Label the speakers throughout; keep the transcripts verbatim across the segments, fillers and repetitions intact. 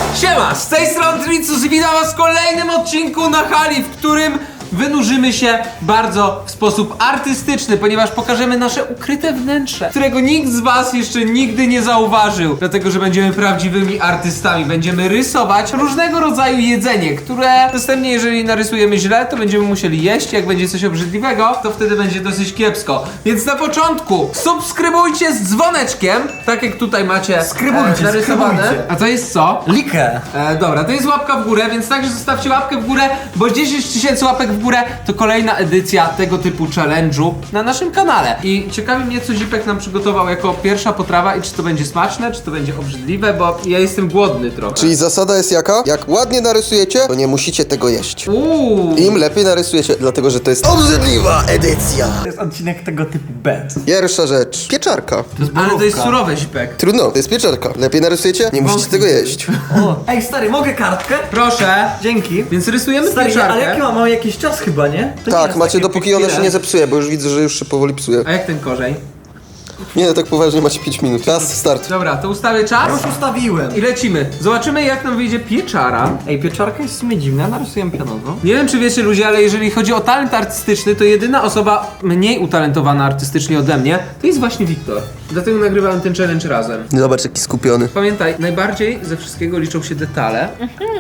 Speaker 1: Siema, z tej strony Tricus i witam was w kolejnym odcinku na hali, w którym wynurzymy się bardzo w sposób artystyczny, ponieważ pokażemy nasze ukryte wnętrze, którego nikt z was jeszcze nigdy nie zauważył. Dlatego, że będziemy prawdziwymi artystami. Będziemy rysować różnego rodzaju jedzenie, które następnie, jeżeli narysujemy źle, to będziemy musieli jeść. Jak będzie coś obrzydliwego, to wtedy będzie dosyć kiepsko. Więc na początku subskrybujcie z dzwoneczkiem, tak jak tutaj macie
Speaker 2: Skrybujcie,
Speaker 1: e, narysowane.
Speaker 2: skrybujcie.
Speaker 1: A to jest co?
Speaker 2: Likę!
Speaker 1: E, dobra, to jest łapka w górę, więc także zostawcie łapkę w górę, bo dziesięć tysięcy łapek w górę to kolejna edycja tego typu challenge'u na naszym kanale. I ciekawi mnie, co Zipek nam przygotował jako pierwsza potrawa i czy to będzie smaczne, czy to będzie obrzydliwe, bo ja jestem głodny trochę.
Speaker 3: Czyli zasada jest jaka? Jak ładnie narysujecie, to nie musicie tego jeść.
Speaker 1: Uuu.
Speaker 3: Im lepiej narysujecie, dlatego że to jest obrzydliwa edycja.
Speaker 2: To jest odcinek tego typu bet.
Speaker 3: Pierwsza rzecz. Pieczarka.
Speaker 1: Ale to jest surowe, Zipek.
Speaker 3: Trudno, to jest pieczarka. Lepiej narysujecie? Nie musicie tego jeść.
Speaker 2: O, ej stary, mogę kartkę?
Speaker 1: Proszę.
Speaker 2: Dzięki.
Speaker 1: Więc rysujemy
Speaker 2: Stary,
Speaker 1: pieczarkę.
Speaker 2: ale jaki ma, ma jakiś czas chyba, nie? To nie
Speaker 3: Tak,
Speaker 2: jest
Speaker 3: macie
Speaker 2: takie
Speaker 3: dopóki ona się
Speaker 2: chwile.
Speaker 3: nie zepsuje, bo już widzę, że już się powoli psuje.
Speaker 1: A jak ten korzeń?
Speaker 3: Nie, no tak poważnie macie pięć minut. Czas, start.
Speaker 1: Dobra, to ustawię czas
Speaker 2: Już ustawiłem.
Speaker 1: i lecimy. Zobaczymy, jak nam wyjdzie pieczara.
Speaker 2: Ej, pieczarka jest w sumie dziwna, narysuję pionowo.
Speaker 1: Nie wiem, czy wiecie ludzie, ale jeżeli chodzi o talent artystyczny, to jedyna osoba mniej utalentowana artystycznie ode mnie, to jest właśnie Wiktor. Dlatego nagrywałem ten challenge razem.
Speaker 3: Zobacz, jaki skupiony.
Speaker 1: Pamiętaj, najbardziej ze wszystkiego liczą się detale.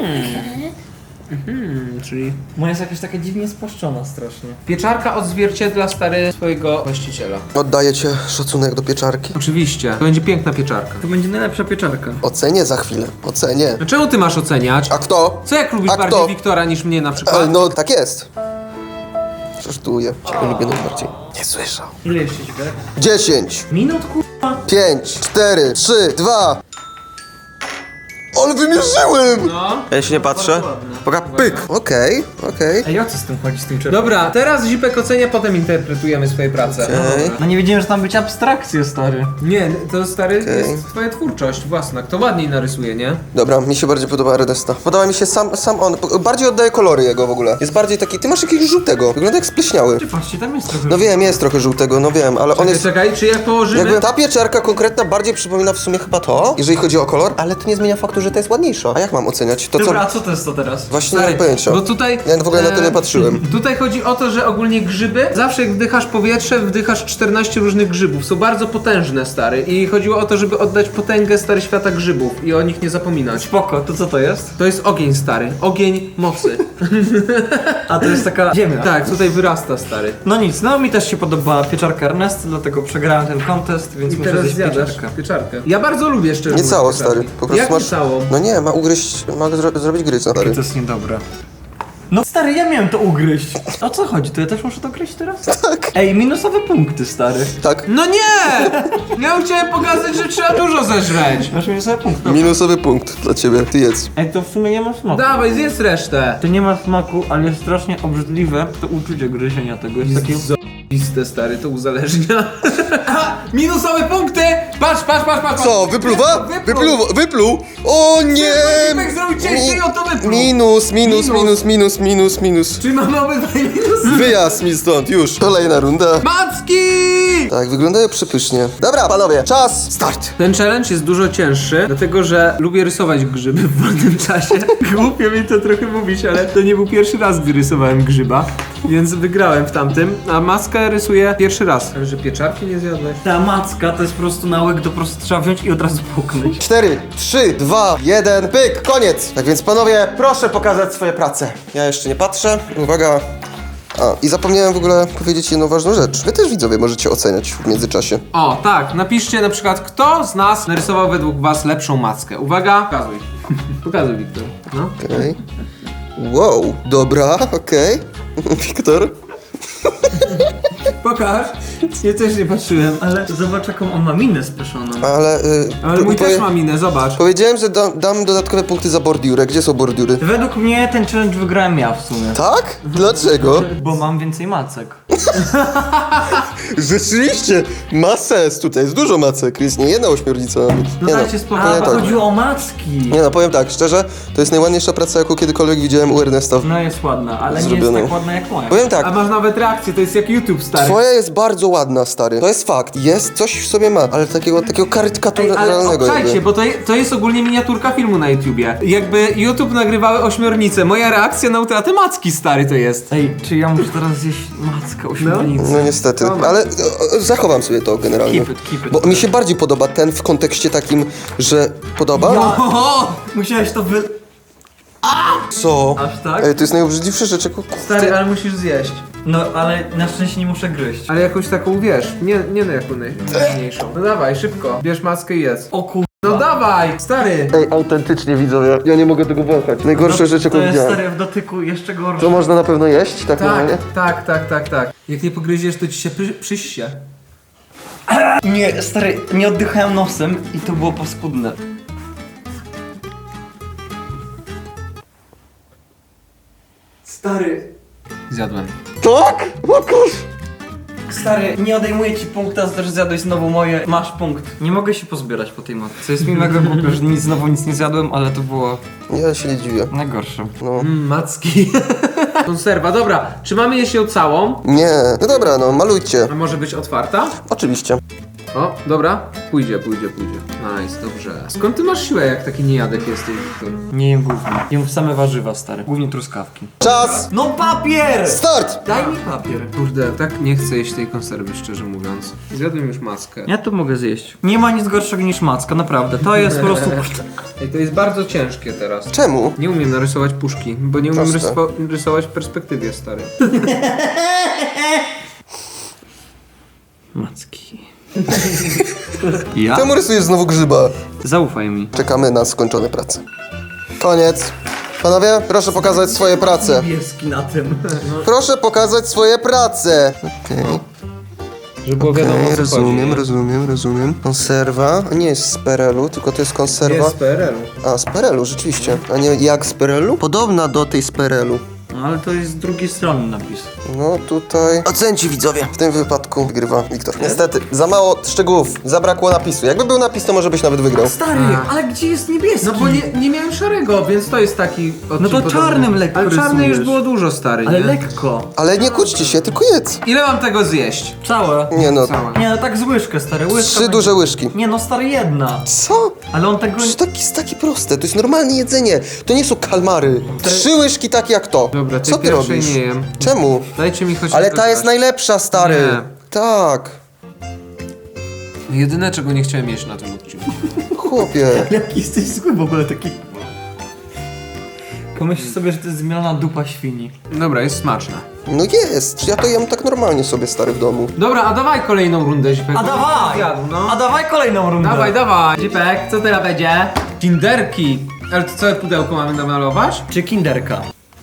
Speaker 1: Mhm, czyli
Speaker 2: Moja jest jakaś taka dziwnie spłaszczona strasznie.
Speaker 1: pieczarka odzwierciedla stary swojego właściciela.
Speaker 3: Oddajecie szacunek do pieczarki.
Speaker 1: Oczywiście, to będzie piękna pieczarka.
Speaker 2: To będzie najlepsza pieczarka.
Speaker 3: Ocenię za chwilę. Ocenię.
Speaker 1: No czemu ty masz oceniać?
Speaker 3: A kto?
Speaker 1: Co jak lubisz
Speaker 3: A
Speaker 1: bardziej
Speaker 3: kto?
Speaker 1: Wiktora niż mnie na
Speaker 3: E,
Speaker 1: przykład?
Speaker 3: no, tak jest. Żartuję. Ciebie lubię najbardziej. Nie słyszał.
Speaker 2: Ile jeszcze ci wiek?
Speaker 3: dziesięć,
Speaker 2: Minut kurwa?
Speaker 3: pięć, cztery, trzy, dwa. Ale wymierzyłem!
Speaker 1: No.
Speaker 3: Ja się nie patrzę. Poka pyk. Okej, okej.
Speaker 2: Ej, o co z tym chodzi, z tym czerwonym?
Speaker 1: Dobra, teraz Zipek ocenia, potem interpretujemy swoje prace.
Speaker 3: Okej.
Speaker 2: No nie wiedziałem, że tam być abstrakcje, stary.
Speaker 1: Nie, to stary
Speaker 3: Okej.
Speaker 1: jest twoja twórczość własna. Kto ładniej narysuje, nie?
Speaker 3: Dobra, mi się bardziej podoba Ernesta. Podoba mi się sam, sam on. Bardziej oddaje kolory jego w ogóle. Jest bardziej taki. Ty masz jakiegoś żółtego. Wygląda jak spleśniały.
Speaker 2: Czy patrzcie, tam jest trochę...
Speaker 3: No wiem, jest trochę żółtego, no wiem, ale on
Speaker 1: Czekaj,
Speaker 3: jest.
Speaker 1: czekaj, czy jak położymy...
Speaker 3: Jakby ta pieczarka konkretna bardziej przypomina w sumie chyba to, jeżeli chodzi o kolor, ale to nie zmienia faktu, że to jest ładniejsza. A jak mam oceniać? To co?
Speaker 2: Dobra, a co to jest to teraz?
Speaker 3: Właśnie nie
Speaker 1: Stary,
Speaker 3: mam pojęcia.
Speaker 1: bo tutaj...
Speaker 3: Ja w ogóle na to nie
Speaker 1: e,
Speaker 3: patrzyłem.
Speaker 1: Tutaj chodzi o to, że ogólnie grzyby, zawsze jak wdychasz powietrze, wdychasz czternaście różnych grzybów. Są bardzo potężne, stary. I chodziło o to, żeby oddać potęgę stary świata grzybów i o nich nie zapominać.
Speaker 2: Spoko, to co to jest?
Speaker 1: To jest ogień, stary. Ogień mocy.
Speaker 2: A to jest taka ziemia.
Speaker 1: Tak, tutaj wyrasta, stary.
Speaker 2: No nic, no mi też się podoba pieczarka Ernest, dlatego przegrałem ten kontest, więc
Speaker 1: I
Speaker 2: muszę
Speaker 1: teraz
Speaker 2: zjeść
Speaker 1: zjadasz
Speaker 2: pieczarkę.
Speaker 1: pieczarkę. Ja bardzo lubię szczerze
Speaker 3: Nie
Speaker 1: mówiąc
Speaker 3: cało,
Speaker 1: pieczarki.
Speaker 3: stary. Po prostu
Speaker 1: Jak
Speaker 3: masz.
Speaker 1: nie całą?
Speaker 3: No nie, ma ugryźć, ma zro zrobić gryza, stary.
Speaker 2: To jest niedobre. No stary, ja miałem to ugryźć. O co chodzi? To ja też muszę to gryźć teraz?
Speaker 3: Tak.
Speaker 2: Ej, minusowe punkty, stary.
Speaker 3: Tak.
Speaker 1: No nie! Ja chciałem pokazać, że trzeba dużo zeżreć.
Speaker 2: Masz minusowe punkty.
Speaker 3: Minusowy punkt dla ciebie, ty jedz.
Speaker 2: Ej, to w sumie nie ma smaku.
Speaker 1: Dawaj, zjedz resztę.
Speaker 2: To nie ma smaku, ale jest strasznie obrzydliwe to uczucie gryzienia tego. Jest takie...
Speaker 1: Zajebiste, stary, to uzależnia. Minusowe punkty! Patrz, patrz, patrz, patrz!
Speaker 3: Co, wypluwa?
Speaker 1: Wypluł!
Speaker 3: Wypluł, wypluł! O nie!
Speaker 1: Zipek zrobił ciężej, o to wypluł.
Speaker 3: Minus, minus,
Speaker 1: Minus.
Speaker 3: minus, minus, minus, minus.
Speaker 1: Czy mamy obydwaj minusy?
Speaker 3: Wyjazd mi stąd, już. Kolejna runda.
Speaker 1: Macki!
Speaker 3: Tak, wyglądają przepysznie. Dobra, panowie, czas, start.
Speaker 1: Ten challenge jest dużo cięższy, dlatego że lubię rysować grzyby w wolnym czasie. Głupio mi to trochę mówić, ale to nie był pierwszy raz, gdy rysowałem grzyba, więc wygrałem w tamtym, a maskę rysuję pierwszy raz. Ale że pieczarki nie zjadłeś?
Speaker 2: Ta macka to jest po prostu nałyk, to po prostu trzeba wziąć i od razu puknąć.
Speaker 3: cztery, trzy, dwa, jeden, pyk, koniec. Tak więc panowie, proszę pokazać swoje prace. Ja jeszcze nie patrzę. Uwaga. A, i zapomniałem w ogóle powiedzieć jedną ważną rzecz. Wy też widzowie możecie oceniać w międzyczasie.
Speaker 1: O, tak, napiszcie na przykład, kto z nas narysował według was lepszą mackę. Uwaga, pokazuj. Pokazuj, Wiktor. No.
Speaker 3: Okej. Wow, dobra, okej. Wiktor?
Speaker 1: Pokaż. Ja też nie patrzyłem.
Speaker 2: Ale zobacz jaką on ma minę spieszoną.
Speaker 3: Ale... Y,
Speaker 1: Ale mój
Speaker 3: powie-
Speaker 1: też ma minę, zobacz.
Speaker 3: Powiedziałem, że dam, dam dodatkowe punkty za bordiurę. Gdzie są bordiury?
Speaker 2: Według mnie ten challenge wygrałem ja w sumie.
Speaker 3: Tak? Dlaczego?
Speaker 2: Bo mam więcej macek.
Speaker 3: Rzeczywiście, masa jest tutaj, jest dużo macek, jest nie jedna ośmiornica nawet.
Speaker 1: No
Speaker 3: Nie
Speaker 1: dajcie spokój.
Speaker 3: powiem
Speaker 2: A,
Speaker 3: tak.
Speaker 2: chodziło o macki.
Speaker 3: Nie no, powiem tak, szczerze, to jest najładniejsza praca, jaką kiedykolwiek widziałem u Ernesta.
Speaker 2: No jest ładna, ale nie
Speaker 3: Zrobione.
Speaker 2: jest tak ładna jak moja.
Speaker 3: Powiem tak,
Speaker 1: A masz nawet reakcję, to jest jak YouTube, stary.
Speaker 3: twoja jest bardzo ładna, stary. To jest fakt, jest, coś w sobie ma, ale takiego, takiego
Speaker 1: Ej, ale
Speaker 3: karykaturalnego
Speaker 1: obczajcie,
Speaker 3: jakby.
Speaker 1: bo to, je- to jest ogólnie miniaturka filmu na YouTubie. Jakby YouTube nagrywały ośmiornice, moja reakcja na utratę macki, stary, to jest.
Speaker 2: Ej, czy ja muszę teraz zjeść mackę ośmiornicy?
Speaker 3: No niestety, ale e, zachowam sobie to generalnie.
Speaker 2: Keep it, keep it.
Speaker 3: Bo mi się bardziej podoba ten w kontekście takim, że podoba?
Speaker 2: Ja-
Speaker 1: O,
Speaker 2: Musiałeś to wy...
Speaker 3: Co?
Speaker 2: Aż tak?
Speaker 3: Ej, to jest najobrzydliwsza rzecz, jaką...
Speaker 1: stary, ale musisz zjeść.
Speaker 2: No, ale na szczęście nie muszę gryźć.
Speaker 1: Ale jakąś taką, wiesz, nie, nie no jaką najmniejszą. No dawaj, szybko, bierz maskę i jedz.
Speaker 2: O kur...
Speaker 1: No dawaj, stary.
Speaker 3: Ej, autentycznie widzowie, ja nie mogę tego wąchać. Najgorsza rzecz, jaką
Speaker 2: To jest
Speaker 3: widziałem.
Speaker 2: stary w dotyku jeszcze gorsze.
Speaker 3: To można na pewno jeść, tak, normalnie?
Speaker 1: Tak, tak, tak, tak, tak. Jak nie pogryziesz, to ci się przy, przyście.
Speaker 2: Nie, stary, nie oddychałem nosem i to było paskudne. Stary,
Speaker 1: Zjadłem.
Speaker 3: Tak? O kurz!
Speaker 2: stary, nie odejmuję ci punkta, za to, że zjadłeś znowu moje. Masz punkt. Nie mogę się pozbierać po tej matce. Jest mi mega głupio, że nic, znowu nic nie zjadłem, ale to było
Speaker 3: Ja się nie dziwię.
Speaker 2: najgorsze.
Speaker 3: No.
Speaker 1: Mm, macki. Konserwa, dobra. Czy mamy jeść ją całą?
Speaker 3: Nie. No dobra, no, malujcie.
Speaker 1: A może być otwarta?
Speaker 3: Oczywiście.
Speaker 1: O, dobra. Pójdzie, pójdzie, pójdzie. Nice, dobrze. Skąd ty masz siłę, jak taki niejadek jesteś, Wiktor?
Speaker 2: Nie jem głównie. Jem same warzywa, stary. Głównie truskawki.
Speaker 3: Czas!
Speaker 2: No papier!
Speaker 3: Start!
Speaker 2: Daj mi papier.
Speaker 1: Kurde, tak nie chcę jeść tej konserwy, szczerze mówiąc. Zjadłem już maskę.
Speaker 2: Ja to mogę zjeść. Nie ma nic gorszego niż macka, naprawdę. To jest po prostu...
Speaker 1: Ej, to jest bardzo ciężkie teraz.
Speaker 3: Czemu?
Speaker 1: Nie umiem narysować puszki, bo nie umiem
Speaker 3: Proste.
Speaker 1: rysowa- rysować w perspektywie, stary.
Speaker 2: Macki. Ja?
Speaker 3: Czemu rysujesz znowu grzyba?
Speaker 2: Zaufaj mi.
Speaker 3: Czekamy na skończone prace. Koniec. Panowie, proszę pokazać swoje prace.
Speaker 2: Niebieski na tym.
Speaker 3: Proszę pokazać swoje prace. Okej,
Speaker 1: Żeby było wiadomo, o
Speaker 3: okay,
Speaker 1: co
Speaker 3: rozumiem,
Speaker 1: chodzi.
Speaker 3: rozumiem, rozumiem. Konserwa, nie jest z Perelu, tylko to jest konserwa.
Speaker 1: Jest z P R L-u.
Speaker 3: A, z Perelu, rzeczywiście. A nie jak z Perelu? Podobna do tej z Perelu.
Speaker 2: No ale to jest z drugiej strony napis.
Speaker 3: No tutaj... Ocenci widzowie. W tym wypadku wygrywa Wiktor. Niestety, za mało szczegółów, zabrakło napisu. Jakby był napis, to może byś nawet wygrał.
Speaker 2: Stary,
Speaker 1: A.
Speaker 2: ale gdzie jest niebieski?
Speaker 1: No bo nie, nie miałem szarego, więc to jest taki odcinek
Speaker 2: No to
Speaker 1: podobny.
Speaker 2: czarnym lekko
Speaker 1: Ale czarny
Speaker 2: rysujesz.
Speaker 1: już było dużo, stary,
Speaker 2: Ale
Speaker 1: nie?
Speaker 2: lekko.
Speaker 3: Ale nie kłóćcie się, tylko jedz.
Speaker 1: Ile mam tego zjeść?
Speaker 2: Całe.
Speaker 3: Nie no,
Speaker 1: Całe.
Speaker 2: Nie, no tak z łyżkę, stary. Łyżka
Speaker 3: trzy
Speaker 2: będzie-
Speaker 3: duże łyżki.
Speaker 2: Nie no, stary, jedna.
Speaker 3: Co?
Speaker 2: Ale on tego...
Speaker 3: Przecież to jest takie proste, to jest normalne jedzenie. To nie są kalmary. Trzy łyżki tak jak to.
Speaker 1: Dobra, tej
Speaker 3: Co ty
Speaker 1: pierwszej
Speaker 3: robisz?
Speaker 1: nie jem.
Speaker 3: Czemu?
Speaker 1: Dajcie mi choć
Speaker 3: Ale
Speaker 1: tylko
Speaker 3: ta jest
Speaker 1: coś.
Speaker 3: najlepsza, stary.
Speaker 1: Nie.
Speaker 3: Tak.
Speaker 1: Jedyne, czego nie chciałem jeść na tym odcinku.
Speaker 3: Chłopie.
Speaker 2: Jaki jesteś zły w ogóle taki... Pomyśl sobie, że to jest zmielona dupa świni.
Speaker 1: Dobra, jest smaczne.
Speaker 3: No jest. Ja to jem tak normalnie sobie, stary, w domu.
Speaker 1: Dobra, a dawaj kolejną rundę, Zipek.
Speaker 2: A
Speaker 1: bo
Speaker 2: dawaj!
Speaker 1: zjadł, no.
Speaker 2: A dawaj kolejną rundę.
Speaker 1: Dawaj, dawaj. Zipek, co teraz będzie? Kinderki. Ale to całe pudełko mamy namalować?
Speaker 2: Czy kinderka?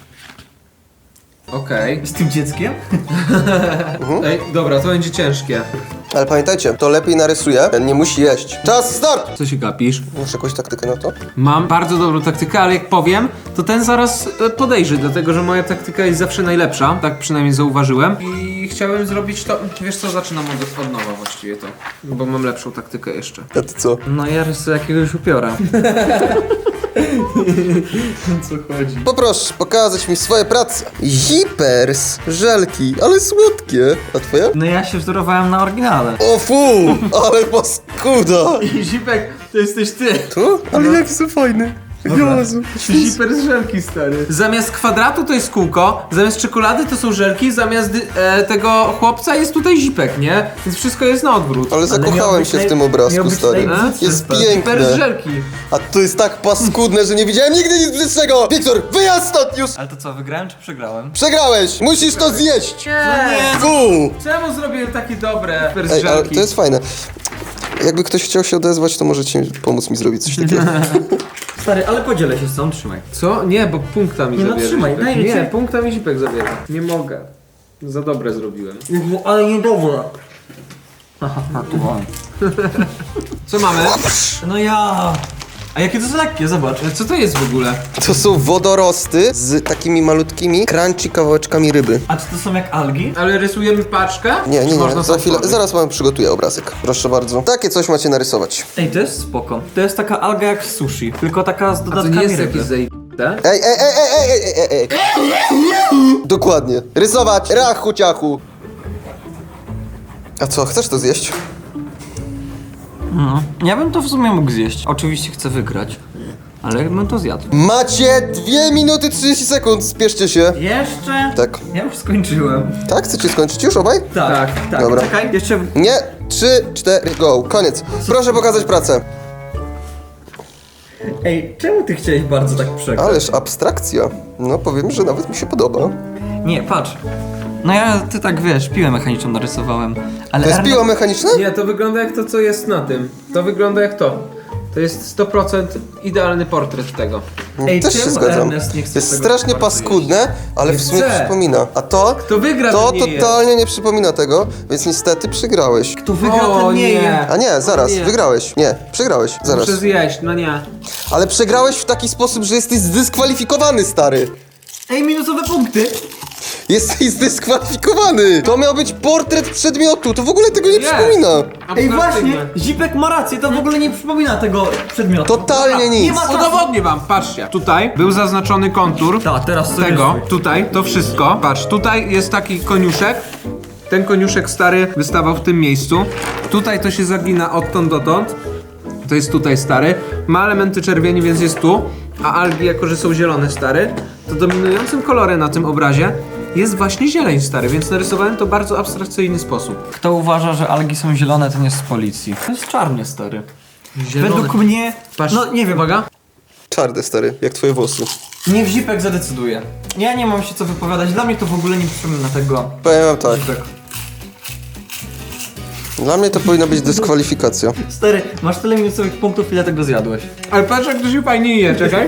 Speaker 1: Okej.
Speaker 2: Z tym dzieckiem?
Speaker 1: Ej, dobra, to będzie ciężkie.
Speaker 3: Ale pamiętajcie, to lepiej narysuje, ten nie musi jeść. Czas, start!
Speaker 1: Co się gapisz?
Speaker 3: Masz jakąś taktykę na to?
Speaker 1: Mam bardzo dobrą taktykę, ale jak powiem, to ten zaraz e, podejrzy, dlatego że moja taktyka jest zawsze najlepsza, tak przynajmniej zauważyłem. I chciałem zrobić to, wiesz co, zaczynam od, od nowa właściwie to, bo mam lepszą taktykę jeszcze.
Speaker 3: A ty co?
Speaker 2: No ja rysuję jakiegoś upiora. Co chodzi?
Speaker 3: Poproszę pokazać mi swoje prace. Zipers, żelki, ale słodkie. A twoje?
Speaker 2: No ja się wzorowałem na oryginale.
Speaker 3: O fu, ale paskuda.
Speaker 1: Zipek, to jesteś ty.
Speaker 3: Tu? Ale jaki są fajne. Jezu.
Speaker 1: Ziper z żelki, stary. Zamiast kwadratu to jest kółko, zamiast czekolady to są żelki, zamiast e, tego chłopca jest tutaj zipek, nie? Więc wszystko jest na odwrót.
Speaker 3: Ale
Speaker 2: miał
Speaker 3: zakochałem
Speaker 2: być
Speaker 3: się w
Speaker 2: naj-
Speaker 3: tym
Speaker 2: miał
Speaker 3: obrazku,
Speaker 2: być
Speaker 3: stary.
Speaker 2: najbrzydszy,
Speaker 3: Jest
Speaker 2: stary.
Speaker 1: Ziper z
Speaker 3: piękne.
Speaker 1: żelki.
Speaker 3: A to jest tak paskudne, że nie widziałem nigdy nic brzydszego. Wiktor, wyjazd stąd już.
Speaker 2: Ale to co, wygrałem czy przegrałem?
Speaker 3: Przegrałeś, musisz to zjeść.
Speaker 1: Nie.
Speaker 3: Fu.
Speaker 1: Czemu zrobiłem takie dobre Ziper z
Speaker 3: Ej, ale
Speaker 1: żelki?
Speaker 3: to jest fajne. Jakby ktoś chciał się odezwać, to możecie pomóc mi zrobić coś takiego.
Speaker 2: Stary, ale podzielę się z tą, trzymaj.
Speaker 1: Co? Nie, bo punkta mi
Speaker 2: Nie, no
Speaker 1: zabierze.
Speaker 2: trzymaj,
Speaker 1: Zipek.
Speaker 2: daj
Speaker 1: Nie,
Speaker 2: ci.
Speaker 1: punkta mi zipek zabierze. Nie mogę. Za dobre zrobiłem.
Speaker 2: Ale niedobre. Aha, tu mam.
Speaker 1: Co mamy?
Speaker 2: No ja... A jakie to są lekkie, zobacz.
Speaker 1: Ale co to jest w ogóle?
Speaker 3: To są wodorosty z takimi malutkimi, crunchy kawałeczkami ryby.
Speaker 2: A czy to są jak algi?
Speaker 1: Ale rysujemy paczkę?
Speaker 3: Nie,
Speaker 1: Czy
Speaker 3: nie,
Speaker 1: można
Speaker 3: nie, za
Speaker 1: sam
Speaker 3: chwilę,
Speaker 1: tworzyć?
Speaker 3: zaraz wam przygotuję obrazek. Proszę bardzo. Takie coś macie narysować.
Speaker 2: Ej, to jest spoko. To jest taka alga jak sushi, tylko taka z
Speaker 1: A to
Speaker 2: dodatkami
Speaker 1: nie jest
Speaker 2: ryby.
Speaker 1: jakieś zajebiste?
Speaker 3: Ej, ej, ej, ej, ej, ej, ej, ej. Dokładnie. Rysować, rachu ciachu. A co, chcesz to zjeść?
Speaker 2: No. Ja bym to w sumie mógł zjeść. Oczywiście chcę wygrać, ale bym to zjadł.
Speaker 3: Macie dwie minuty trzydzieści sekund, spieszcie się.
Speaker 2: Jeszcze?
Speaker 3: Tak.
Speaker 2: Ja już skończyłem.
Speaker 3: Tak? Chcecie skończyć już obaj?
Speaker 2: Tak,
Speaker 1: Tak.
Speaker 2: tak.
Speaker 3: Dobra.
Speaker 2: Czekaj, jeszcze...
Speaker 3: Nie, trzy, cztery, go. Koniec. Proszę pokazać pracę.
Speaker 2: Ej, czemu ty chciałeś bardzo tak przegrać?
Speaker 3: Ależ abstrakcja. No powiem, że nawet mi się podoba.
Speaker 2: Nie, patrz. No ja, ty tak wiesz, piłę mechaniczną narysowałem, ale...
Speaker 3: To jest
Speaker 2: Erne-
Speaker 3: piła mechaniczna?
Speaker 1: Nie, to wygląda jak to, co jest na tym. To wygląda jak to. To jest sto procent idealny portret tego.
Speaker 2: Ej,
Speaker 3: Też się
Speaker 2: czemu
Speaker 3: zgadzam.
Speaker 2: Ernest nie chce
Speaker 3: Jest
Speaker 2: tego
Speaker 3: strasznie
Speaker 2: bardzo
Speaker 3: paskudne, ale
Speaker 1: Nie
Speaker 3: w sumie
Speaker 1: chcę.
Speaker 3: przypomina. A to?
Speaker 1: Kto wygra,
Speaker 3: To
Speaker 1: ten nie je.
Speaker 3: totalnie nie przypomina tego, więc niestety przegrałeś.
Speaker 2: Kto wygra,
Speaker 1: O,
Speaker 2: ten nie
Speaker 1: nie.
Speaker 2: je.
Speaker 3: A nie, zaraz,
Speaker 1: Nie.
Speaker 3: wygrałeś. Nie, przegrałeś, zaraz.
Speaker 1: Muszę zjeść, no nie.
Speaker 3: Ale przegrałeś w taki sposób, że jesteś zdyskwalifikowany, stary.
Speaker 2: Ej, minusowe punkty.
Speaker 3: Jesteś zdyskwalifikowany. To miał być portret przedmiotu, to w ogóle tego nie
Speaker 1: Nie.
Speaker 3: przypomina.
Speaker 2: Ej, właśnie,
Speaker 1: Abstrakcyjne.
Speaker 2: Zipek ma rację, to w ogóle nie przypomina tego przedmiotu.
Speaker 3: Totalnie
Speaker 2: Nie
Speaker 3: nic.
Speaker 2: ma czasu.
Speaker 1: Udowodnię wam, patrzcie. Tutaj był zaznaczony kontur
Speaker 2: Tak, teraz sobie
Speaker 1: tego,
Speaker 2: rysuj.
Speaker 1: tutaj, to wszystko. Patrz, tutaj jest taki koniuszek. Ten koniuszek stary wystawał w tym miejscu. Tutaj to się zagina odtąd dotąd. To jest tutaj stary. Ma elementy czerwieni, więc jest tu. A algi, jako że są zielone stary, to dominującym kolorem na tym obrazie jest właśnie zieleń stary, więc narysowałem to w bardzo abstrakcyjny sposób.
Speaker 2: Kto uważa, że algi są zielone, ten jest z policji. To jest czarnie, stary.
Speaker 1: Zielone.
Speaker 2: Według mnie...
Speaker 1: Patrz,
Speaker 2: No, nie wiem.
Speaker 1: uwaga.
Speaker 3: Czarny, stary, jak twoje włosy.
Speaker 2: Niech Zipek zadecyduje. Ja nie mam się co wypowiadać, dla mnie to w ogóle nie przypomina tego.
Speaker 3: Powiem wam tak,
Speaker 2: Zipek.
Speaker 3: dla mnie to powinna być dyskwalifikacja.
Speaker 2: Stary, masz tyle minusowych punktów, ile tego zjadłeś.
Speaker 1: Ale patrz, jak to się fajnie je, czekaj.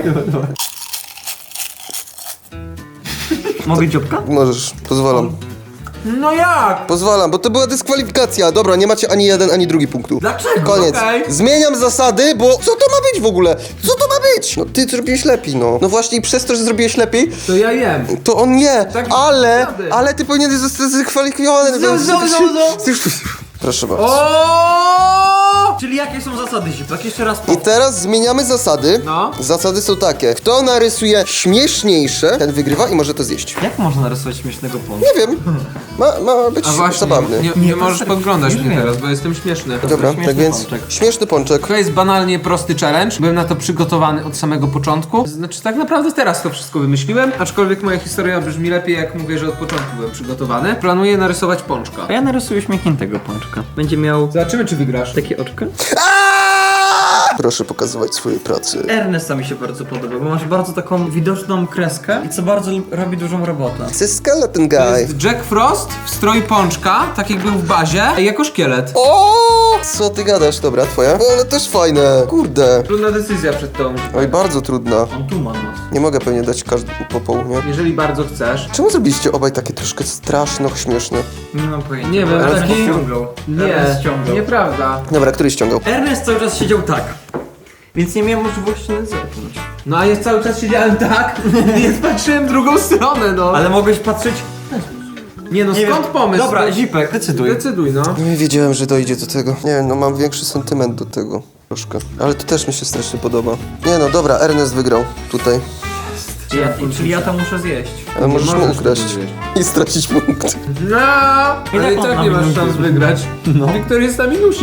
Speaker 2: Mogę dziobka?
Speaker 3: Możesz, pozwalam.
Speaker 1: No jak?
Speaker 3: Pozwalam, bo to była dyskwalifikacja. Dobra, nie macie ani jeden, ani drugi punktu.
Speaker 2: Dlaczego?
Speaker 3: Koniec.
Speaker 1: Okej.
Speaker 3: Zmieniam zasady, bo co to ma być w ogóle? Co to ma być? No ty zrobiłeś lepiej, no. No właśnie i przez to, że zrobiłeś lepiej,
Speaker 1: To ja jem.
Speaker 3: to on nie.
Speaker 1: Tak,
Speaker 3: ale,
Speaker 1: zasady.
Speaker 3: ale ty powinieneś zostać dyskwalifikowany.
Speaker 2: Zo, zo, zo, zo.
Speaker 3: Proszę bardzo.
Speaker 1: O!
Speaker 2: Czyli jakie są zasady, Zipek? Jeszcze raz po.
Speaker 3: I teraz zmieniamy zasady.
Speaker 1: No.
Speaker 3: Zasady są takie. Kto narysuje śmieszniejsze, ten wygrywa i może to zjeść.
Speaker 2: Jak można narysować śmiesznego pączka?
Speaker 3: Nie wiem. Ma, ma być
Speaker 1: A właśnie,
Speaker 3: zabawny.
Speaker 1: nie,
Speaker 2: Nie,
Speaker 1: nie
Speaker 2: to
Speaker 1: możesz
Speaker 2: serio,
Speaker 1: podglądać
Speaker 2: już
Speaker 1: mnie
Speaker 2: wiem.
Speaker 1: teraz, bo jestem śmieszny.
Speaker 3: Dobra,
Speaker 2: śmieszny
Speaker 3: tak więc
Speaker 2: pączek.
Speaker 3: śmieszny pączek.
Speaker 1: To jest banalnie prosty challenge. Byłem na to przygotowany od samego początku. Znaczy, tak naprawdę teraz to wszystko wymyśliłem, aczkolwiek moja historia brzmi lepiej, jak mówię, że od początku byłem przygotowany. Planuję narysować pączka.
Speaker 2: A ja narysuję śmiechniętego pączka. Będzie miał
Speaker 1: Zobaczymy, czy wygrasz.
Speaker 2: takie oczka.
Speaker 3: Proszę pokazywać swoje pracy.
Speaker 2: Ernesta mi się bardzo podoba, bo masz bardzo taką widoczną kreskę i co bardzo lub- robi dużą robotę.
Speaker 3: Це skeleton
Speaker 1: To
Speaker 3: guy.
Speaker 1: jest Jack Frost w stroju pączka, tak jak był w bazie, jako szkielet.
Speaker 3: O! Co ty gadasz? Dobra, twoja? O, ale też fajne. Kurde.
Speaker 1: Trudna decyzja przed tą.
Speaker 3: Oj, bardzo trudna.
Speaker 2: On tu ma nos.
Speaker 3: Nie mogę pewnie dać każdy po pół, nie?
Speaker 1: Jeżeli bardzo chcesz.
Speaker 3: Czemu zrobiliście obaj takie troszkę straszno śmieszne?
Speaker 2: Nie mam pojęcia.
Speaker 1: Nie wiem,
Speaker 2: Ernest
Speaker 1: taki-
Speaker 2: ściągał.
Speaker 1: Nie,
Speaker 2: Ernest ściągał.
Speaker 1: nieprawda.
Speaker 3: Dobra, który ściągał?
Speaker 2: Ernest cały czas siedział tak. Więc nie miałem możliwości na zerknąć.
Speaker 1: No a ja cały czas siedziałem tak, więc patrzyłem w drugą stronę, no.
Speaker 2: Ale mogłeś patrzeć...
Speaker 1: Nie no,
Speaker 2: Nie
Speaker 1: skąd
Speaker 2: wiem.
Speaker 1: pomysł?
Speaker 2: Dobra,
Speaker 1: No,
Speaker 2: Zipek, decyduj.
Speaker 1: Decyduj, no.
Speaker 3: Nie wiedziałem, że dojdzie do tego. Nie wiem, no mam większy sentyment do tego. Troszkę. Ale to też mi się strasznie podoba. Nie no, dobra, Ernest wygrał. Tutaj.
Speaker 2: Czyli ja, czyli ja to muszę zjeść.
Speaker 3: Ale
Speaker 1: Nie
Speaker 3: możesz mu
Speaker 1: możesz
Speaker 3: ukraść.
Speaker 1: tego zjeść.
Speaker 3: I stracić punkt.
Speaker 1: No, ale i
Speaker 2: on
Speaker 1: tak
Speaker 2: ma
Speaker 1: nie masz
Speaker 2: minusy?
Speaker 1: szans wygrać.
Speaker 2: No.
Speaker 1: Wiktor jest na minusie.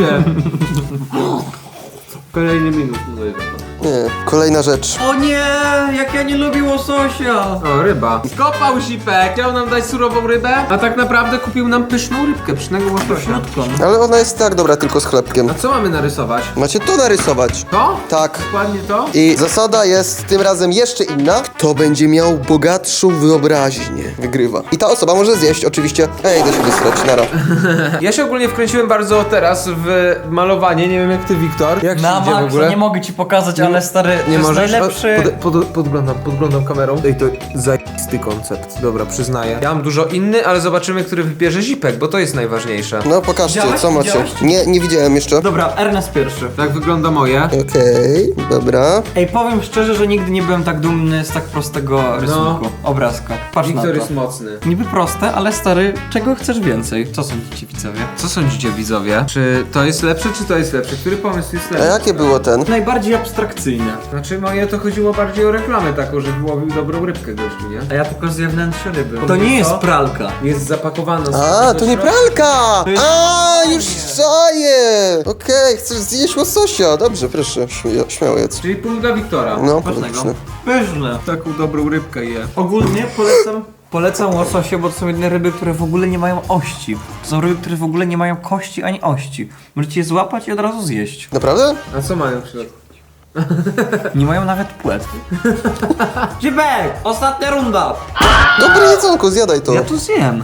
Speaker 1: Kolejny minus. No i dobra.
Speaker 3: Nie. Kolejna rzecz.
Speaker 2: O nie, jak ja nie lubię łososia.
Speaker 1: O, ryba. Skopał Zipek. Chciał nam dać surową rybę, a tak naprawdę kupił nam pyszną rybkę, pysznego łososia.
Speaker 2: Środką.
Speaker 3: Ale ona jest tak dobra, tylko z chlebkiem.
Speaker 1: A co mamy narysować?
Speaker 3: Macie to narysować.
Speaker 1: To?
Speaker 3: Tak.
Speaker 1: Dokładnie to?
Speaker 3: I zasada jest tym razem jeszcze inna. Kto będzie miał bogatszą wyobraźnię, wygrywa. I ta osoba może zjeść oczywiście. Ej, idę się wystrać, nara.
Speaker 1: Ja się ogólnie wkręciłem bardzo teraz w malowanie, nie wiem jak ty, Wiktor. Jak
Speaker 2: Na
Speaker 1: się idzie w
Speaker 2: maksa,
Speaker 1: ogóle?
Speaker 2: nie mogę ci pokazać, ale ale stary, to
Speaker 1: Nie
Speaker 2: jest
Speaker 1: możesz?
Speaker 2: najlepszy...
Speaker 1: Pod, pod, podglądam, podglądam kamerą. Ej, to zajisty koncept. Dobra, przyznaję. Ja mam dużo inny, ale zobaczymy, który wybierze Zipek, bo to jest najważniejsze.
Speaker 3: No pokażcie,
Speaker 2: Widziałeś?
Speaker 3: co macie.
Speaker 2: Widziałeś?
Speaker 3: Nie, nie widziałem jeszcze.
Speaker 2: Dobra, Ernest pierwszy.
Speaker 1: Tak wygląda moje.
Speaker 3: Okej, dobra.
Speaker 2: Ej, powiem szczerze, że nigdy nie byłem tak dumny z tak prostego rysunku, obrazka. Patrz na
Speaker 1: Wiktor
Speaker 2: to.
Speaker 1: jest mocny.
Speaker 2: Niby proste, ale stary, czego chcesz więcej? Co sądzicie widzowie?
Speaker 1: Co sądzicie, widzowie? Czy to jest lepsze, czy to jest lepsze? Który pomysł jest
Speaker 3: A
Speaker 1: lepszy?
Speaker 3: jakie było ten?
Speaker 2: Najbardziej abstrakcyjne.
Speaker 1: Znaczy moje to chodziło bardziej o reklamę taką, że wyłowił dobrą rybkę gościu, nie?
Speaker 2: A ja tylko z zewnętrznej ryby. To
Speaker 1: To
Speaker 2: nie jest
Speaker 1: co?
Speaker 2: pralka.
Speaker 1: Jest zapakowana.
Speaker 3: A,
Speaker 1: do
Speaker 3: to nie
Speaker 1: środka.
Speaker 3: pralka!
Speaker 2: jest
Speaker 3: A,
Speaker 2: pakowanie.
Speaker 3: już czaję! Okej, chcesz zjeść łososia. Dobrze, proszę, śmia- śmiało jedz.
Speaker 1: Czyli punkt dla Wiktora.
Speaker 3: No,
Speaker 2: Ważnego.
Speaker 3: pyszne.
Speaker 2: Pyszne.
Speaker 1: Taką dobrą rybkę je.
Speaker 2: Ogólnie polecam, polecam łososie, bo to są jedne ryby, które w ogóle nie mają ości. To są ryby, które w ogóle nie mają kości ani ości. Możecie je złapać i od razu zjeść.
Speaker 3: Naprawdę?
Speaker 1: A co mają w środku?
Speaker 2: Nie mają nawet płet. Zipek! Ostatnia runda!
Speaker 3: Dobre jedzonko, zjadaj to.
Speaker 2: Ja tu zjem.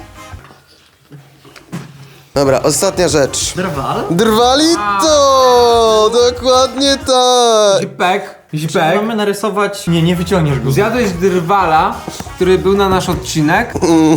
Speaker 3: Dobra, ostatnia rzecz.
Speaker 2: Drwal?
Speaker 3: Drwalito! Dokładnie tak!
Speaker 1: Zipek.
Speaker 2: Czyli
Speaker 1: Zipek.
Speaker 2: mamy narysować... Nie, nie wyciągniesz go.
Speaker 1: Zjadłeś drwala, który był na nasz odcinek.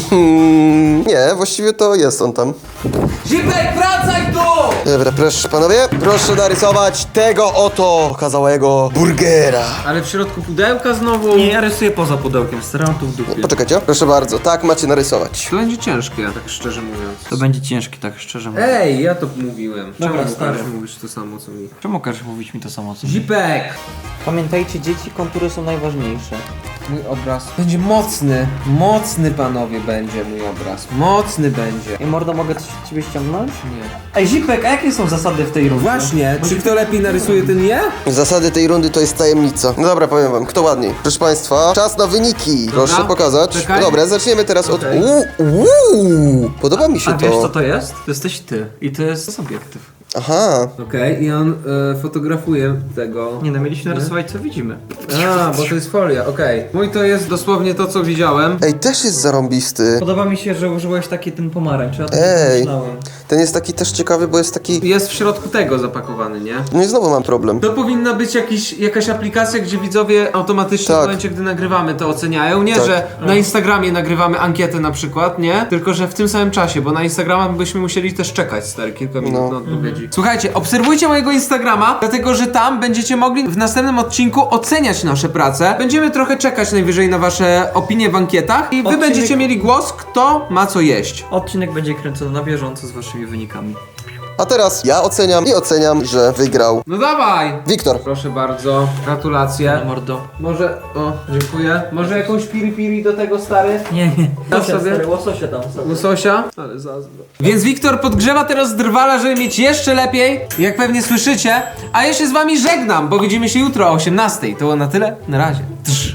Speaker 3: Mm, nie, właściwie to jest on tam.
Speaker 1: Zipek, wracaj tu!
Speaker 3: Dobra, proszę panowie, proszę narysować tego oto okazałego burgera.
Speaker 1: Ale w środku pudełka znowu.
Speaker 2: Nie, ja rysuję poza pudełkiem, staram tu w dupie.
Speaker 3: Poczekajcie, proszę bardzo, tak macie narysować.
Speaker 1: To będzie ciężkie, tak szczerze mówiąc.
Speaker 2: To będzie ciężkie, tak szczerze mówiąc.
Speaker 1: Ej, ja to mówiłem.
Speaker 2: Dobra,
Speaker 1: Czemu
Speaker 2: stary.
Speaker 1: Łukasz mówisz to samo co mi?
Speaker 2: Czemu każesz mówić mi to samo co?
Speaker 1: Zipek!
Speaker 2: Pamiętajcie, dzieci, kontury są najważniejsze.
Speaker 1: Mój obraz będzie mocny. Mocny, panowie, będzie mój obraz. Mocny będzie.
Speaker 2: I mordo, mogę coś od ciebie ściągnąć?
Speaker 1: Nie.
Speaker 2: Ej, Zipek, a jakie są zasady w tej rundzie?
Speaker 1: Właśnie, czy kto lepiej narysuje, ten je?
Speaker 3: Zasady tej rundy to jest tajemnica. No dobra, powiem wam, kto ładniej. Proszę państwa, czas na wyniki. Proszę
Speaker 1: Dobra,
Speaker 3: pokazać.
Speaker 1: czekaj.
Speaker 3: No dobra, zaczniemy teraz od...
Speaker 1: Okej.
Speaker 3: Uuu, uuu, podoba mi się
Speaker 2: A wiesz
Speaker 3: to.
Speaker 2: co to jest? To jesteś ty. I to jest obiektyw.
Speaker 3: Aha,
Speaker 1: Okej, i on e, fotografuje tego.
Speaker 2: Nie no, mieliśmy narysować co widzimy.
Speaker 1: A, bo to jest folia, okej. Mój to jest dosłownie to, co widziałem.
Speaker 3: ej, też jest zarąbisty.
Speaker 2: Podoba mi się, że użyłeś taki ten pomarańcz. Ja o tym
Speaker 3: Ej.
Speaker 2: myślałem.
Speaker 3: Ten jest taki też ciekawy, bo jest taki...
Speaker 1: Jest w środku tego zapakowany, nie?
Speaker 3: No i znowu mam problem.
Speaker 1: To powinna być jakiś, jakaś aplikacja, gdzie widzowie automatycznie
Speaker 3: Tak.
Speaker 1: w momencie, gdy nagrywamy, to oceniają. Nie,
Speaker 3: Tak.
Speaker 1: że na Instagramie nagrywamy ankietę na przykład, nie? Tylko, że w tym samym czasie, bo na Instagrama byśmy musieli też czekać, stary, kilka minut
Speaker 3: No.
Speaker 1: na odpowiedzi. Słuchajcie, obserwujcie mojego Instagrama, dlatego, że tam będziecie mogli w następnym odcinku oceniać nasze prace. Będziemy trochę czekać najwyżej na wasze opinie w ankietach i wy
Speaker 2: Odcinek-
Speaker 1: będziecie mieli głos, kto ma co jeść.
Speaker 2: Odcinek będzie kręcony na bieżąco z waszymi wynikami.
Speaker 3: A teraz ja oceniam i oceniam, że wygrał
Speaker 1: No dawaj!
Speaker 3: Wiktor.
Speaker 1: Proszę bardzo, gratulacje.
Speaker 2: Na mordo.
Speaker 1: Może, o, dziękuję. Może jakąś piri piri do tego, stary?
Speaker 2: Nie, nie.
Speaker 1: Dam
Speaker 2: Łososia,
Speaker 1: sobie.
Speaker 2: stary, łososia tam sobie.
Speaker 1: Łososia? Ale zazdro. Więc Wiktor podgrzewa teraz drwala, żeby mieć jeszcze lepiej, jak pewnie słyszycie. A ja się z wami żegnam, bo widzimy się jutro o osiemnastej. To było na tyle. Na razie. Drz.